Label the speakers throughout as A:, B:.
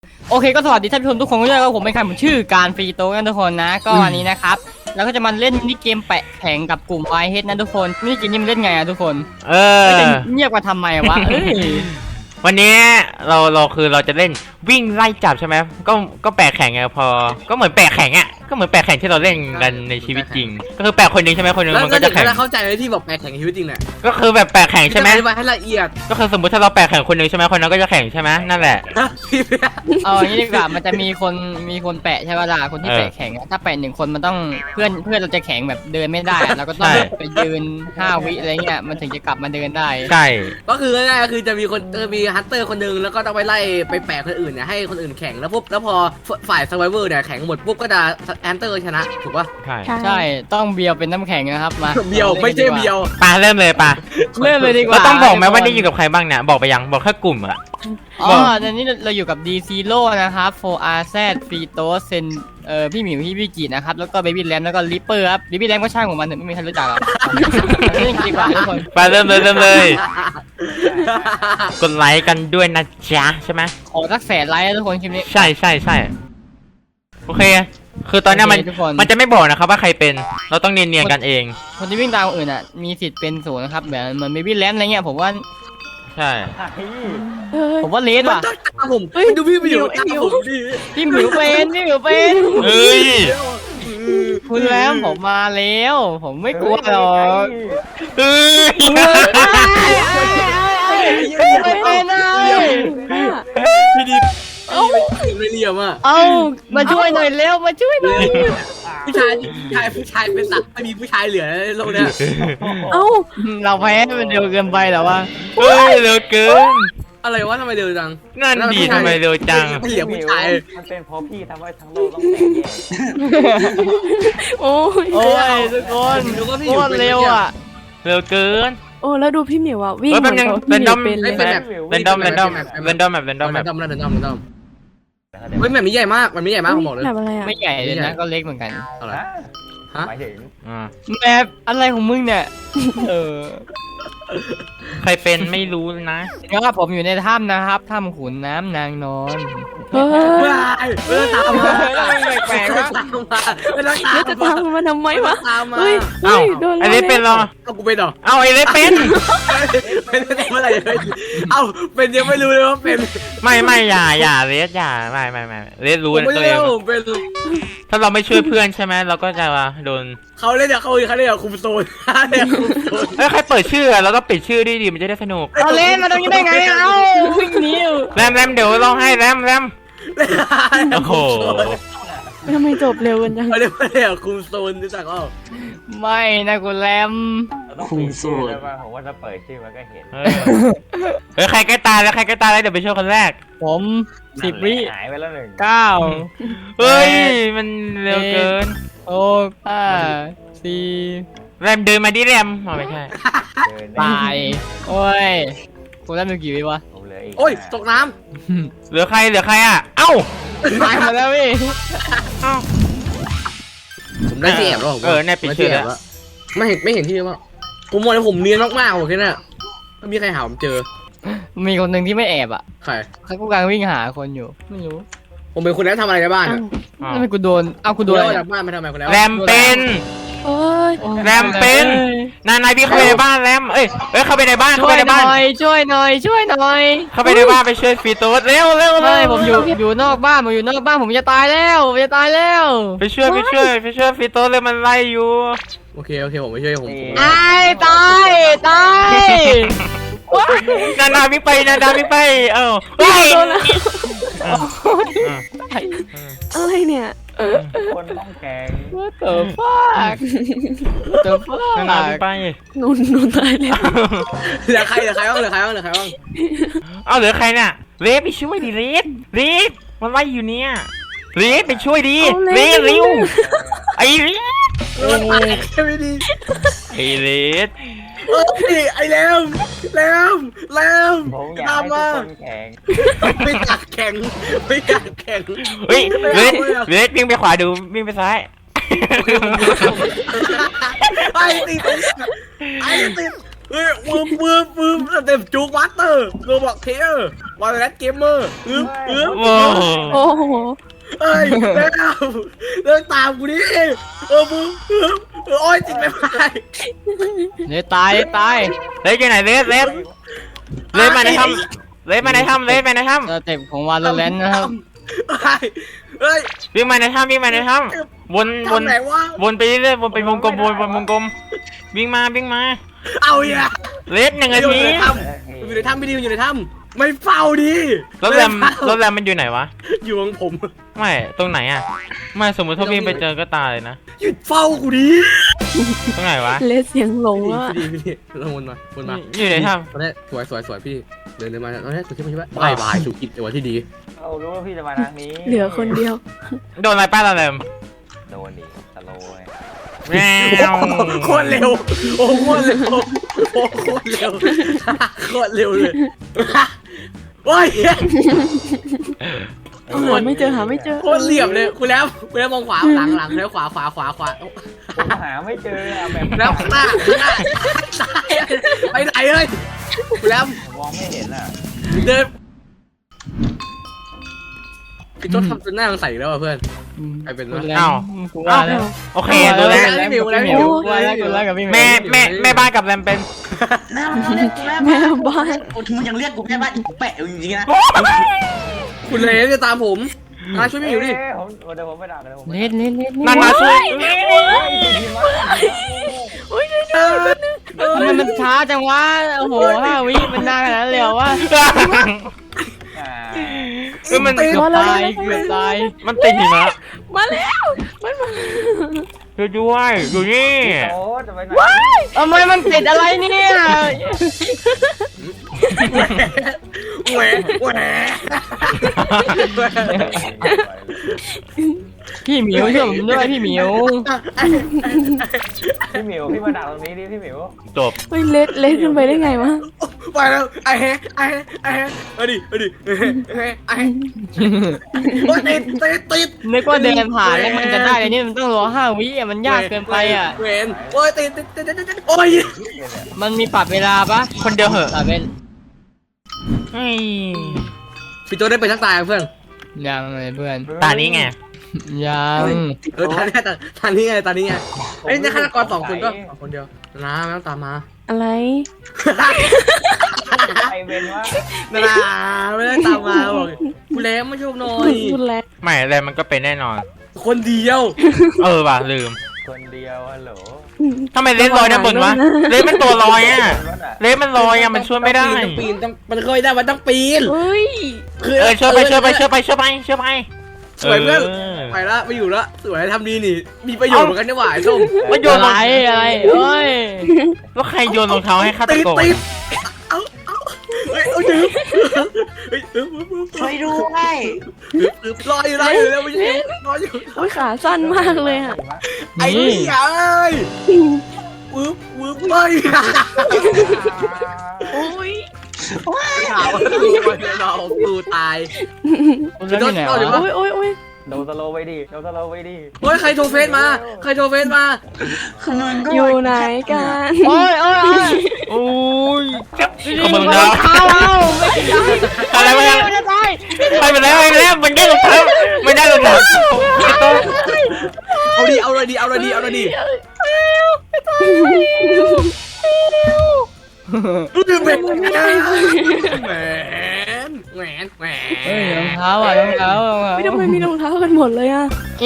A: โอเคก็สวัสดีท่านผู้ชมทุกคนด้วยครับผมเป็นใครผมชื่อการฟรีโต้กันทุกคนนะก็วันนี้นะครับแล้วก็จะมาเล่นมินิเกมแปะแข่งกับกลุ่มไวเฮดนะทุกคนมินิเกมนี้มันเล่นไงอะทุกคนจะเงียบกันทำไมวะ
B: วันนี้เราคือเราจะเล่นวิ่งไล่จับใช่ไหมก็แปะแข่งไงพอก็เหมือนแปะแข่งอ่ะก็เหมือนแปะแข่งที่เราเล่นกันในชีวิตจริงก็คือแปะคนนึงใช่ไหมคนนึงมันก็จะแข่ง
C: แล้วเข้าใจเลยที่บอกแปะแข่งชีวิตจริงเนี่ย
B: ก็คือแบบแปะแข่งใช่ไหม
C: อธิบายให้ละเอียด
B: ก็คือสมมติถ้าเราแปะแข่งคนนึงใช่ไหมคนนั้นก็จะแข่งใช่ไหมนั่นแหละ
A: เอาอย่างนี้ดีกว่ามันจะมีคนแปะใช่ป่ะล่ะคนที่แปะแข่งถ้าแปะ1 คนมันต้องเพื่อนเราจะแข่งแบบเดินไม่ได้เราก็ต้องไปยืน5 วิอะไรเงี้ยมันถึงจะกลับมาเดินได้
B: ใช่
C: ก็คือง่ายๆก็คือจะมีคนมีฮันเตอร์คนนึงแล้วก็ต้องไปไล่ไปแปะคนอื่นเนี่ยให้คนอื่นแข่งแล้วปุ๊บแล้วพอฝ่ายซัไวเวอร์เนี่ยแข่งหมดปุ๊บก็จะฮันเตอร์ชนะถูกป่ะ
A: ใช่ต้องเบียวเป็นน้ำแข็งนะครับมา
C: เบียวไม่ใช่เบียว
B: ปาเริ่มเลยปา
A: เริ่มเลยดีกว่า
B: เราต้องบอกไหมว่าได้อยู่กับใครบ้างเนี่ยบอกไปยังบอกแค่กลุ่มอะ
A: อ๋อตอนนี้เราอยู่กับ D0 นะครับ 4RZ ฟรีโตเซนพี่หมิวพี่วิกินะครับแล้วก็เบบี้แรมแล้วก็ลิปเปอร์ครับลิปปี้แรมก็ช่างของมันไม่มีใครรู้จักหรอกเล่นดีกว่าทุกคน
B: ไปเริ่มเลยกดไลค์กันด้วยนะจ๊ะใช่ไหม
A: ขอสัก100,000 ไลค์ทุกคนคลิปนี้
B: ใช่โอเคคือตอนนี้มันจะไม่บอกนะครับว่าใครเป็นเราต้องเนียนๆกันเอง
A: คนที่วิ่งตามคนอื่นอ่ะมีสิทธิ์เป็น0นะครับแบบเหมือนเบบี้แรมอะไรเงี้ยผมว่า
B: ใช่
A: ผมว่าเลสว่ะ
C: ผมดูพี่หมิวผมดิ
A: พี่หมิวเป็น
B: เฮ้ย
A: คุณแล้วผมมาแล้วผมไม่กลัวหรอก
B: เฮ้ย
A: ไม่เป็นเลย
C: พี่ดีไม่เรียมอ่ะ
A: มาช่วยหน่อยเร็วมาช่วยหน่อย
C: ผู้ชายเป็นสัตว์ไม่มีผู้ชายเหลือในโลกเนี้ย
A: เราแพ้มันเร็วเกินไปหรอวะ
B: เฮ้ยเร็วเกิน
C: อะไรวะทำไมเร็วจัง
B: นั่นดีทำไมเร็วจัง
C: เหลือผู้ชาย
D: มันเป็นเพราะพี่ทำให้ทั้งโลกต้องแตกแยก
A: โอ้ยทุกคนโคตรเร็วอ่ะ
B: เร็วเกิน
E: โอ้แล้วดูพี่หมิวอ่ะวิ่งเหมือนเขาพี่หมิวเป็นเลย
B: เรนดอมเ
C: ฮ้ยแมปนี้ใหญ่มากมันไม่ใหญ่มากผมบอกเลย
A: ไม่ใหญ่เลยนะก็เล็กเหมือนกัน
C: อะไร
D: ฮะหมายถึง
A: แมปอะไรของมึงเนี่ย
B: ใครเป็นไม่รู้นะ
A: ก็ผมอยู่ในถ้ำนะครับถ้ำขุนน้ำนางนอน
C: ไม่ต้องตามมา
A: แปลกๆนะ
E: แล้วจะตามมาทำไมวะ
C: เฮ้ย
B: ไอเล็กเป็นหรอ
C: เอากูเป็นหรอ
B: เอาไอเล็กเป็น
C: เมื่อไหร่เอาเป็นยังไม่รู้เลยว่าเป็น
B: ไม่อย่าเลสอย่าไม่เลสรู้
C: ตัวเอง
B: ถ้าเราไม่ช่วยเพื่อนใช่ไหมเราก็จะโดน
C: เขาเล่นอย่างคุมโซน
B: ใครเปิดชื่อเราก็ปิดชื่อดีมันจะได้สนุก
A: เล่นมาตรงนี้ได้ไงวิ่งหนี
B: แรมเดี๋ยวร้องให้แรมโอ้โห
E: ทำไมจบเร็วกันจัง
C: เรียกคุมโซนรู้จักเปล่า
A: ไม่นะกูแรม
D: คุมโซนผมว่าถ้าเปิดชื่อมันก็เห็น
B: ใครใกล้ตายแล้วเดี๋ยวไปช่วยคนแรก
A: ผม10 วิ
D: หายไปแล้ว1
A: 9
B: เฮ้ยมันเร็วเกิน
A: 6 5 4
B: แรมเดินมาดิแรมไม่ใช่
A: ตายโอ้ยกูได้มีกี่วิวะ
C: โอ้ยตกน้
B: ำเหลือใครอ่ะเอ้า
A: ตายมาแล้วพี่
C: ผมได้ที่แอบแล้ว
B: เนี่ยปิดชื่อแล้ว
C: ไม่เห็นที่ว่าผมมองแล้วผมเนียนมากๆโอเคน่ะไม่มีใครหาผมเจอ
A: มีคนหนึ่งที่ไม่แอบอ่ะ
C: ใคร
A: เขากำลังวิ่งหาคนอยู่ไม่รู้
C: ผมเป็นคนนั้นทำอะไรในบ้านอ่ะ
A: ทำไมกูโดนกูโดน
C: จากบ้านมาทำไมคนแล้ว
B: แรมเป็นแรมเป็นนายพี่เข้าไปในบ้านแรมเข้าไปในบ้าน
A: ช่วยหน่อยช่วยหน่อย
B: เข้าไปในบ้านไปช่วยฟีโต้เร็ว
A: ผมอยู่นอกบ้านผมจะตายแล้ว
B: ไปช่วยฟีโต้เลยมันไล่อยู่
C: โอเคผมไปช่วยผม
A: ตาย
B: นาดาไม่ไป
E: อะไรเนี่ย
D: คนต้องแข่ง
A: เติมฟาก
B: นาดาไม่ไป
E: นุ่นตายแล้ว
C: เหลือใครบ้าง
B: เหลือใครเนี่ยเลสไปช่วยดิเลสมันไล่อยู่เนี่ยเลสไปช่วยดิเลสเร็วไอ้เลส
C: ไม่ดี
B: เลส
C: ไอ้แรม
D: ตามมาแข่ง
C: ไม่อยากแข่ง
B: เฮ้ยเลสวิ่งไปขวาดูวิ่งไปซ้าย
C: ไอ้ติดเฮ้ยปื้มเต็มจูกวัตเตอร์โรบอกเทอร์วอลเลนเกมเมอร์อึ๊บ
B: โว้าว
E: โอ้โห
C: เอ้ยเลิกตามกูดิปื้มโอ้ยจิตไม่ไป
A: เลยตาย
B: เลสอยู่ไหนเลสมาในถ้ำเลสมาในถ้ำเลสมาในถ้
A: สเต็ปของวาโลแรนต์นะครับ
C: เฮ้ย
B: ำวิ่งมาในถ้ำวน
C: ไหนวะ
B: วนไปเรื่อยๆวนไปวงกลมวนวงกลมวิ่งมา
C: เอาอีกอะ
B: เลส1 นาที
C: อยู่ในถ้ำไม่ดีอยู่ในถ้ำไม่เฝ้าดิ
B: รถแรมมันอยู่ไหนวะ
C: อยู่ของผม
B: ไม่ตรงไหนอ่ะไม่สมมติถ้าวิ่งไปเจอก็ตายเลยนะ
C: หยุดเฝ้ากูดิ
B: ตรงไหนวะ
E: เลสเสียงหลงอ่ะ
C: พี่ลงวนมา
B: อยู่ไหนถ้
C: ตอนนี้สวยพี่เดินมาตอนนี้สุดที่มันใช่ไหมบายสุกิจตัวที่ดี
D: เรารู้ว่าพี่จะมาทางนี้
E: เหลือคนเดียว
B: ำโดนอะไรป้าแรม
D: โดนดิสโลว์ไง
B: แมว
C: โคตรเร็วโอ้โคตรเร็วโอ้โคตรเร็วโคตรเร็วเลยโอ้ย
E: หาไม่เจอหาไม่เจอ
C: โคตรเหลี่ยมเลยคุณแล้วมองขวาหลังแล้วขวา
D: ผมหาไม่เจออะแบบ
C: แล้วข้างหน้าไปไหนเอ้ยคุณแล้ว
D: มองไม่เห็นอ่ะ
C: เดินพี่ต้นทำจนหน้าใส่แล้วเพื่อน ใครเป็นวะ
A: กูว่าแล้ว
B: โอเคดูแล
A: กูว่าแล้วกับพี่
B: แม่บ้านกับแรมเป็น
F: แม่มึงเรียกกูแม่
E: แม่
F: บ้าน
E: บ้าน
F: โอ้มึงยังเรียกกูแม่บ้านอีกแปะจริงๆนะ
C: คุณเลนจะตามผมช่วยพี่อยู่ดิ
D: ผมเดี๋ยวผมไปด่าเดี๋ยวผม
A: เล่น
B: นั่นมาช่วย
A: ทำไมมันช้าจังวะโอ้โห5 วิมันนานขนาดนั้นเลยเหรอวะ
B: มัน
A: เกือบตาย
B: มันติดหิมะ
E: มาแล้วมันมา
B: ช่วยด้วยอยู่นี่
D: โอ้จะไปไหน
A: ทำไมมันติดอะไรเนี่ย
C: แหว
A: พี่หมิวช่วยผมด้วยพี่หมิว
D: พี่หมิวพี่มาด่าตรงนี้ดิพี่หมิว
B: จบ
E: เฮ้ยเลสขึ้นไปได้ไงวะ
C: ไปแล้วไอ้เอาดิโอ้ยติด
A: นึกว่าเดินผ่านแล้วมันจะได้เลยนี่มันต้องรอ5 วิอ่ะมันยากเกินไปอ่ะ
C: เวนโอ้ยติดโอ้ย
A: มันมีปรับเวลาปะ
B: คนเดียวเหอะ
A: ปรับเป็น
B: เฮ้ย
C: พี่ตัวได้ไปทักตายเพื่อน
A: ยังเลยเพื่อน
B: ตานี้ไง
A: ยัง
C: ทางนี้ไงไอ้เนี่ยฆาตกร2 คนก็คนเดียวนะไม่ต้องตามมา
E: อะไร
D: ไอเวนวะ
C: ไม่ได้ตามมาบอกกูแล้วไม่ชอบหน่อย
E: คุณแล้ว
B: ไม่แรมมันก็เป็นแน่นอน
C: คนเดียว
B: ว่ะลืม
D: คนเดียวฮัลโหล
B: ทำไมเลสลอยด้านบนวะเลสมันตัวลอยอ่ะเลสมันลอยอ่ะมันช่วยไม่ได้
C: ต้องปีนมันเคยได้มันต้องปีน
E: เฮ้ย
B: ช่วยไป
C: สวยเพื่อนไปละไม่อยู่ละสวยทำดีนี่มีประโยชน์เหมือนกันนี่หว่าไอ้ส้ม
B: มันโยน
A: อะไรเอ้ย
B: แล้วใครโยนรองเท้าให้ฆาต
C: ติด
B: กร
C: เอาดึง
F: ช่วยด้วย
C: รออยู่แล้วไม่ใช่รออยู่
E: โอ้ยขาสั้นมากเลยอ่ะ
C: ไอ้นี่ไอ้วืบไป
E: โอ้ย
C: ข่าวเราตูตาย
A: คุณเล่นที่ไหนวะ
E: โอ้ย
D: โดนสโลว์ไปดิโดนสโลว์ไปดิ
C: เฮ้ยใครโทรเฟซมา
F: คือมึงก็
E: อยู่ไหนกัน
A: โอ้ย
B: โอ้ย
A: ขโมยรองเท้าเอาไม่ได้
B: อะไรวะเนี่ย
A: ไม่ได้
B: ไปไปแล้วมันได้รองเท้ามันได้รองเท้า
C: เอาเลยดี เป็นแหวน
A: เฮ้ยรองเท้าอ่ะรองเท้า
E: ไม่ทำไมมีรองเท้ากันหมดเลยอ่ะ
A: เอ๋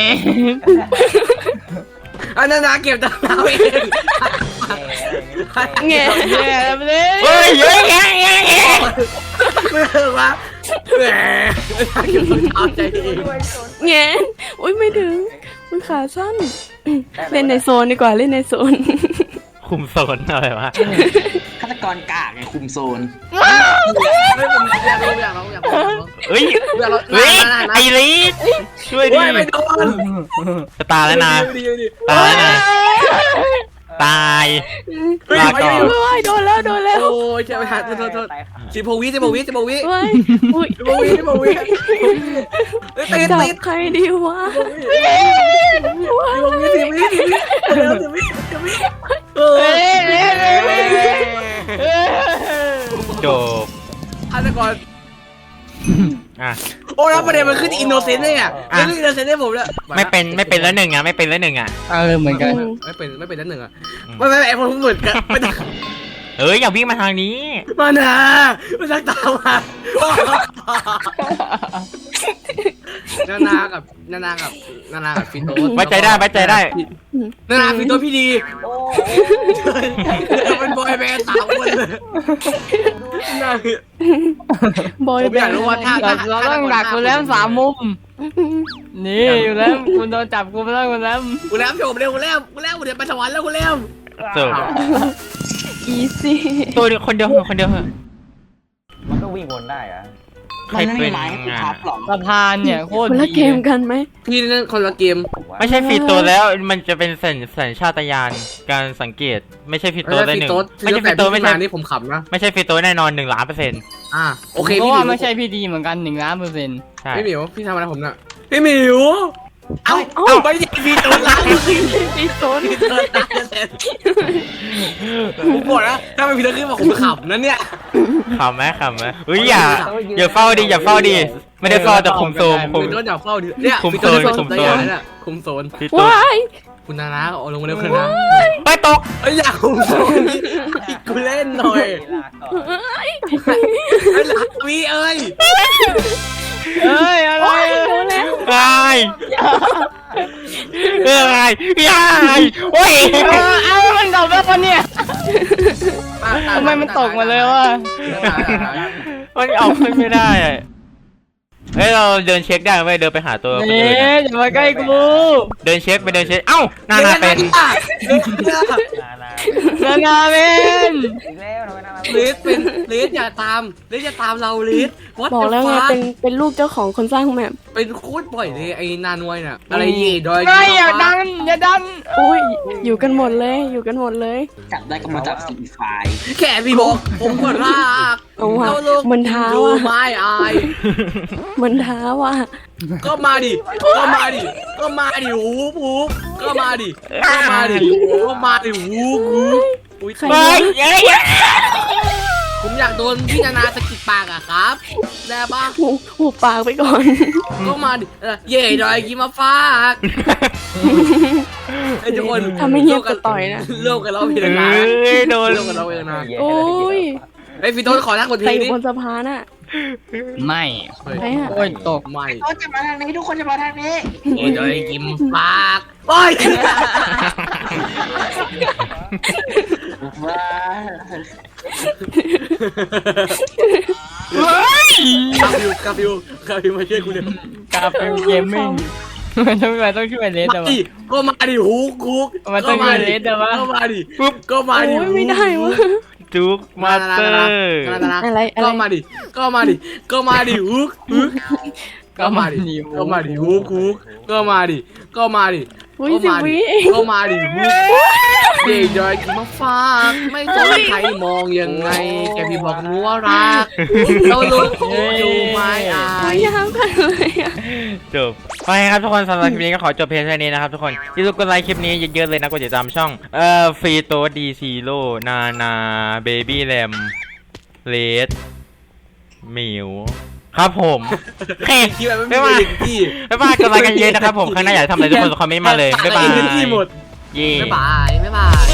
C: อันนั้นนะเก็บตามเราเอง
E: แง่
A: แย่เลย
B: เฮ้ยเฮ้ย
C: ไม่เออวะแหมเก็บตามใจเอง
E: แง่อุ้ยไม่ถึงมันขาสั้น เล่นในโซนดีกว่าเล่นในโซน
B: คุมโซนอะไรวะ
F: ฆาตกรกากไงคุมโซน
C: ไม่ผมอยากร้อง
B: เฮ้ย
C: อยากร้อง
B: เฮ้ยไอริสช่วยดิ
C: ไม่โดน
B: จะตายแล้วนะ
C: ดี
B: ตายแล้วนะตาย ลาก่อน
E: ว้ายโดนแล้ว
C: โอ้ยใช่ไหมฮะโทษ16 วิ
E: ว้ายอุ้ย
C: 16 วิติด
E: จับใครดีวะว้าย
C: 10 วิเออ
A: เฮ้ย
C: ก่อน
B: อ่ะ
C: โอ้แล้วประเด็นมันขึ้นอินโนเซนต์เลยอ่ะมันขึ้นอินโนเซนต์ให้ผมเลย
B: ไม่เป็นแล้วหนึ่งอ่ะไม่เป็นแล้วหนึ่งอ่ะ
A: เหมือนกัน
C: ไม่เป็นนั่นหนึ่งอ่ะไม่ไอ้ผมเหมือนกันไม่
B: อย่าวิ่งมาทางนี้
C: มานะมันชักตามมานานากับฟิโต้
B: ไว้ใจได้
C: นานาฟิโต้พี่ดีเป็นบอยแบนด์3 คนเลย
E: บอย
C: ผม
E: แบ
C: อยาก
E: นด์
C: รู้ว่าถ้า
A: เราต้องดักคุณแรม3 มุมนี่อยู่แล้วคุณโดนจับคุณแล้วคุณแรม
C: กูแล้วโยมเร็วกูแล้วเดี๋ยวไปสวรรค์แล้วกูแล้ว
B: จบ
E: อีซี่
B: ตัวเดียวคนเดียวเหอะ
D: มันก็วิ่งวนได้อะ
B: ใคร
F: มันไม่
B: เป็
F: มี
B: น
F: ไม้ให้กู
B: อ่ะ
F: พับหรอก
A: สะพานเนี่ยโคตร
E: คนละ
A: ดี
E: เกมกันไหม
C: พี่นั่นคนละเกม
B: ไม่ใช่ฟีโตแล้วมันจะเป็นสัญชาตญาณการสังเกตไม่ใช่ฟีโตได้หนึ่งไม่ใช่ฟีโตไม่ใช่
C: นี่ผมขำนะ
B: ไม่ใช่ฟีโตแน่นอน1,000,000%
C: โอเค
A: เพ
C: พี่
A: ราะ
C: ห
A: ว่า
C: มิว
A: ไม่ใช่พี่ดีเหมือนกัน1,000,000%
B: ใช่
C: พี่หมิวพี่ทำอะไรผมน่ะพี่หมิวเอาไม่ใช่พี่โดนล้าง
E: อีโซน
C: พี่โดนล้างผมบอกนะถ้าไม่พี่โดนขึ้นมาผมขำนะเนี่ย
B: ขำไหมอุ้ยอย่าเฝ้าดิไม่ได้เฝ้าแต่คุมโซม
C: พี่โดนอย่าเฝ้าดิเนี่ย
B: คุม
C: พี่
B: โซ
C: โด
B: น
C: น
B: คุมโซน
C: คุมโซน
B: ฟีโต
E: ว้าย
C: คุณนานาเอาลงมาเร็วคุณนา
B: ไปตก
C: อยากคุมโซนกูเล่นหน่อย
D: ลากก่อน
C: ไอ้หลักวีเอ้ย
A: เอ้ยอะไร
E: โดนแล้ว
B: ไอ้โอ้ย
A: เอามันตกแล้วปะเนี่ยทำไมมันตกมาเลยวะ
B: มันเอาขึ้นไม่ได้อะเฮ้ยเราเดินเช็คได้ไหมเดินไปหาตัวคน
A: นี่
B: อื่นอะ
A: อย่ามาใกล้กู
B: เดินเช็คเอ้านานาเป็น
A: นาเมน
D: อีกแล้วทำไมน่ารัก
C: เลสเป็นเลสอย่าตามเราเลส What
E: บอก
C: the
E: แล้วไง
C: fuck
E: เป็นลูกเจ้าของคนสร้างแมป
C: เป็นโคตรบ่อยเลยไอ้นานวยน่ะอะไรเย่ดอย
A: ไม่อย่าดันอย่าดัน
E: อุ้ยอยู่กันหมดเลย
F: จับได้ก็มาจับสีไฟ
C: แค่พี่บอกผมก็ราก
E: เอาว่ะ
C: แล้วโลก
E: มันท้า
C: ดู
E: ว่ะ
C: ไม่อาย
E: มันท้าว่ะ
C: ก็มาดิหูก็มาดิหูอุ้ย
E: ใคร
B: ไป
E: เนี่ย
C: ผมอยากโดนพี่นานาสะกิดปากอะครับได้ปะ
E: หูปากไปก่อน
C: ก็มาดิเย่ดอยกินมาฝากไอ้ทุกคน
E: ถ้าไม่เงียบจะต่อยนะ
C: เลิกกันแล้วพี่นานา
B: โดน
C: เลิกกันแล้วพี่นานา
E: โอ้ย
C: ไอ้พี่ต้นขอทักคน
E: ใคร
C: ที
E: อยู่
C: นี้
E: บนสะพานอ่ะ
A: ไม่
E: ใครอ่ะ
A: โอ้ยตก
C: ไม่
F: เขาจะมาทางนี้ทุกคนจะมาทางนี้
C: เย่ดอยกินปากโอ้ย
F: ว้า
C: กาฟิวมาช่วยกูเร็ว
A: กาเป็นเกมมิ่งมันต้องช่วยเลสแต่ว่า
C: ก็มาดิฮุก
A: มันต้องช่วยเลสแต่ว่า
C: ก็มาดิก็มาดิ
E: โอ้ยไม่ได้วะ
B: จุกมาสเตอร์
E: อะไร
C: ก็มาดิฮุกก็มาดิฮุกก็มาดิ
E: อุ้ย10 วิเอง
C: ก็มาดิฮุกเด็กดอยกินมาฝากไม่สนใครมองยังไงแกพี่บอกหนูว่ารักเราลูกดูไม่อาย
E: ยาวกันเลยอ่ะ
B: จบโอเคครับทุกคนสำหรับคลิปนี้ก็ขอจบเพียงเท่านี้นะครับทุกคนอย่าลืมกดไลค์คลิปนี้เยอะๆเลยนะกดติดตามช่องฟรีโตดีซีโร่นาเบบี้แรมเลดหมิวครับผมเฮ้ย
C: คิดแบบไม่มีที่
B: บ๊ายบายกดไลค์กันเยอะนะครับผมข้างหน้าอยากทำอะไรทุกคนคอมเมนต์มาเลยบ๊ายบาย
C: ที่หมด
B: เย่
C: บ๊ายบาย